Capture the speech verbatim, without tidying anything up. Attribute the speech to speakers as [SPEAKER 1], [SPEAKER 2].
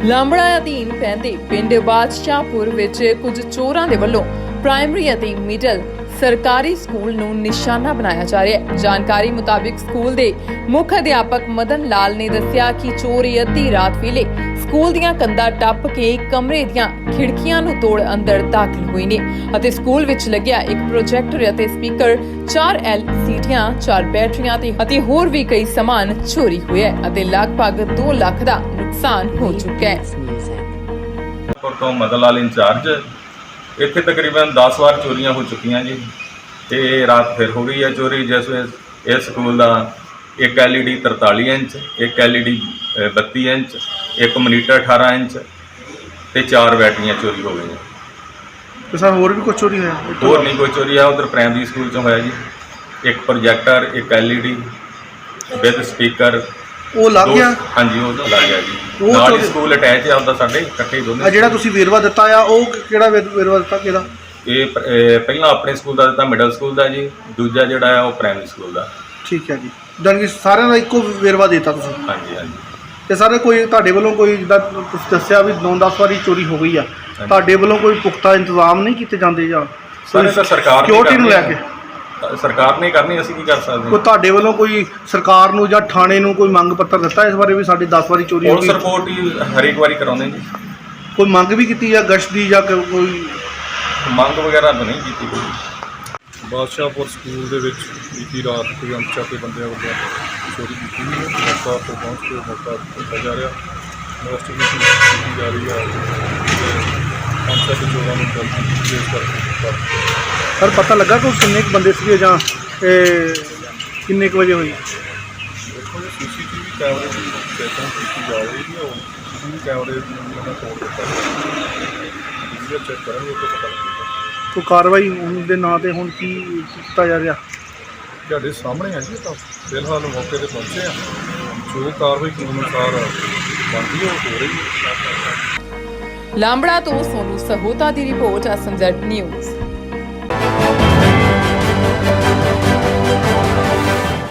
[SPEAKER 1] ਲਾਂਬੜਾ ਅਧੀਨ ਪੈਂਦੇ ਪਿੰਡ ਬਾਦਸ਼ਾਹਪੁਰ ਵਿੱਚ ਕੁਝ ਚੋਰਾਂ ਦੇ ਵੱਲੋਂ ਪ੍ਰਾਇਮਰੀ ਅਤੇ ਮਿਡਲ ਸਰਕਾਰੀ ਸਕੂਲ ਨੂੰ ਨਿਸ਼ਾਨਾ ਬਣਾਇਆ ਜਾ ਰਿਹਾ ਹੈ। ਜਾਣਕਾਰੀ ਮੁਤਾਬਿਕ ਸਕੂਲ ਦੇ ਮੁੱਖ ਅਧਿਆਪਕ ਮਦਨ ਲਾਲ ਨੇ ਦੱਸਿਆ ਕਿ ਚੋਰ ਅੱਧੀ ਰਾਤ ਵੇਲੇ ਸਕੂਲ ਦੀਆਂ ਕੰਧਾਂ ਟੱਪ ਕੇ ਕਮਰੇ ਦੀਆਂ ਖਿੜਕੀਆਂ ਨੂੰ ਤੋੜ ਅੰਦਰ ਦਾਖਲ ਹੋਏ ਨੇ ਅਤੇ ਸਕੂਲ ਵਿੱਚ ਲੱਗਿਆ ਇੱਕ ਪ੍ਰੋਜੈਕਟਰ ਅਤੇ ਸਪੀਕਰ, ਚਾਰ ਐਲ ਸੀ ਡੀਆਂ, ਚਾਰ ਬੈਟਰੀਆਂ ਤੇ ਅਤੇ ਹੋਰ ਵੀ ਕਈ ਸਮਾਨ ਚੋਰੀ ਹੋਇਆ ਹੈ ਅਤੇ ਲਗਭਗ ਦੋ ਲੱਖ ਦਾ ਨੁਕਸਾਨ ਹੋ ਚੁੱਕਾ ਹੈ।
[SPEAKER 2] ਤੋਂ ਮਦਨ ਲਾਲ ਇੰਚਾਰਜ ਇੱਥੇ ਤਕਰੀਬਨ ਦਸ ਵਾਰ ਚੋਰੀਆਂ ਹੋ ਚੁੱਕੀਆਂ ਜੀ ਤੇ ਰਾਤ ਫਿਰ ਹੋ ਗਈ ਹੈ ਚੋਰੀ। ਜਿਸ ਵਿੱਚ ਇਸ ਸਕੂਲ ਦਾ ਇੱਕ ਐਲ ਈ ਡੀ ਤਰਤਾਲੀ ਇੰਚ, ਇੱਕ ਐਲ ਈ ਡੀ ਬੱਤੀ ਇੰਚ, ਇੱਕ ਮੋਨੀਟਰ ਅਠਾਰਾਂ ਇੰਚ ਤੇ ਚਾਰ ਬੈਟਰੀਆਂ ਚੋਰੀ ਹੋ ਗਈਆਂ।
[SPEAKER 3] ਤੇ ਸਰ ਹੋਰ ਵੀ ਕੁਝ ਚੋਰੀ ਹੋਇਆ?
[SPEAKER 2] ਹੋਰ ਨਹੀਂ ਕੋਈ ਚੋਰੀ ਆ। ਉਧਰ ਪ੍ਰਾਇਮਰੀ ਸਕੂਲ ਚੋਂ ਹੋਇਆ ਜੀ, ਇੱਕ ਪ੍ਰੋਜੈਕਟਰ, ਇੱਕ L E D with speaker.
[SPEAKER 3] ਉਹ ਲੱਗ ਗਿਆ?
[SPEAKER 2] ਹਾਂਜੀ, ਉਹ ਲੱਗ ਗਿਆ ਜੀ।
[SPEAKER 3] ਉਹ
[SPEAKER 2] ਨਾਲ ਹੀ ਸਕੂਲ ਅਟੈਚ ਆ ਉਹਦਾ, ਸਾਡੇ ਇਕੱਠੇ ਦੋਨੇ।
[SPEAKER 3] ਆ ਜਿਹੜਾ ਤੁਸੀਂ ਵੇਰਵਾ ਦਿੱਤਾ ਆ ਉਹ ਕਿਹੜਾ ਵੇ- ਵੇਰਵਾ ਦਿੱਤਾ ਕਿਹਦਾ?
[SPEAKER 2] ਇਹ ਪ- ਇਹ ਪਹਿਲਾਂ ਆਪਣੇ ਸਕੂਲ ਦਾ ਦਿੱਤਾ, ਮਿਡਲ ਸਕੂਲ ਦਾ ਜੀ। ਦੂਜਾ ਜਿਹੜਾ ਆ ਉਹ ਪ੍ਰਾਇਮਰੀ ਸਕੂਲ ਦਾ।
[SPEAKER 3] ਠੀਕ ਹੈ ਜੀ, ਜਾਣੀ ਕਿ ਸਾਰਿਆਂ ਦਾ ਇੱਕੋ ਵੇਰਵਾ ਦਿੱਤਾ ਤੁਸੀਂ?
[SPEAKER 2] ਹਾਂਜੀ ਹਾਂਜੀ।
[SPEAKER 3] ਤੇ ਸਰ ਕੋਈ ਤੁਹਾਡੇ ਵੱਲੋਂ ਕੋਈ ਜਿੱਦਾਂ ਤੁਸੀਂ ਦੱਸਿਆ ਵੀ ਨੌ ਦਸ ਵਾਰੀ ਚੋਰੀ ਹੋ ਗਈ ਆ, ਤੁਹਾਡੇ ਵੱਲੋਂ ਕੋਈ ਪੁਖਤਾ ਇੰਤਜ਼ਾਮ ਨਹੀਂ ਕੀਤੇ ਜਾਂਦੇ ਜਾਂ
[SPEAKER 2] ਸਾਰੇ ਤਾਂ ਸਰਕਾਰ ਨੇ
[SPEAKER 3] ਸਿਕਿਉਰਿਟੀ ਨੂੰ ਲੈ ਕੇ?
[SPEAKER 2] ਕਰਨੀ, ਸਰਕਾਰ ਨੇ ਕਰਨੀ, ਅਸੀਂ ਕੀ ਕਰ ਸਕਦੇ
[SPEAKER 3] ਕੋਈ ਤੁਹਾਡੇ ਵੱਲੋਂ ਕੋਈ ਸਰਕਾਰ ਨੂੰ ਜਾਂ ਥਾਣੇ ਨੂੰ ਕੋਈ ਮੰਗ ਪੱਤਰ ਦਿੱਤਾ ਇਸ ਬਾਰੇ ਵੀ ਸਾਡੀ ਦਸ ਵਾਰੀ ਚੋਰੀ ਹੋ
[SPEAKER 2] ਪੁਲਿਸ
[SPEAKER 3] ਗਈ?
[SPEAKER 2] ਰਿਪੋਰਟ ਹੀ ਹਰੇਕ ਵਾਰੀ ਕਰਾਉਂਦੇ ਜੀ।
[SPEAKER 3] ਕੋਈ ਮੰਗ ਵੀ ਕੀਤੀ ਆ ਗਸ਼ਤ ਦੀ ਜਾਂ ਕ- ਕੋਈ
[SPEAKER 2] ਮੰਗ ਵਗੈਰਾ ਤਾਂ ਨਹੀਂ ਕੀਤੀ ਕੋਈ।
[SPEAKER 4] ਬਾਦਸ਼ਾਹਪੁਰ ਸਕੂਲ ਦੇ ਵਿੱਚ ਬੀਤੀ ਰਾਤ ਕੋਈ ਅਣਪਛਾਤੇ ਬੰਦਿਆਂ ਵੱਲੋਂ ਚੋਰੀ ਕੀਤੀ ਗਈ ਹੈ। ਮੌਕਾ ਤੋਂ ਪਹੁੰਚ ਕੇ ਮੌਕਾ ਕੀਤਾ ਜਾ ਰਿਹਾ, ਇਨਵੈਸਟੀਗੇਸ਼ਨ ਕੀਤੀ ਜਾ ਰਹੀ ਹੈ ਤੇ ਅਣਪਛਾਤੇ ਚੋਰਾਂ ਨੂੰ ਟ੍ਰੇਸ ਕਰਕੇ।
[SPEAKER 3] ਸਰ ਪਤਾ ਲੱਗਾ ਕੋਈ ਕਿੰਨੇ ਕੁ ਬੰਦੇ ਸੀਗੇ ਜਾਂ ਇਹ ਕਿੰਨੇ ਕੁ ਵਜੇ ਹੋਈ?
[SPEAKER 4] ਦੇਖੋ ਜੀ, ਸੀ ਸੀ ਟੀ ਵੀ ਕੈਮਰੇ ਦੀ ਚੈਕਿੰਗ ਕੀਤੀ ਜਾ ਰਹੀ ਹੈ। ਉਹ ਸੀ ਸੀ ਟੀ ਵੀ ਕੈਮਰੇ ਨੂੰ ਉਹਨਾਂ ਤੋੜ ਦਿੱਤਾ ਹੈ, ਚੈੱਕ ਕਰਾਂਗੇ, ਉਹ ਤੋਂ ਪਤਾ ਲੱਗੇਗਾ।
[SPEAKER 3] ਕੋਈ ਕਾਰਵਾਈ ਹੋਣ ਦੇ ਨਾਂ ਤੇ ਹੁਣ ਕੀ ਕੀਤਾ ਜਾ ਰਿਹਾ?
[SPEAKER 4] ਤੁਹਾਡੇ ਸਾਹਮਣੇ ਆ ਜੀ, ਤਾਂ ਫਿਲਹਾਲ ਮੌਕੇ ਤੇ ਪਹੁੰਚੇ ਆ। ਜੋ ਕਾਰਵਾਈ ਕਾਨੂੰਨ ਅਨੁਸਾਰ ਬਣਦੀ ਹੈ ਉਹ ਹੋ ਰਹੀ ਹੈ।
[SPEAKER 1] ਲਾਂਬੜਾ ਤੋਂ ਸੋਨੂ ਸਹੋਤਾ ਦੀ report, S M Z news.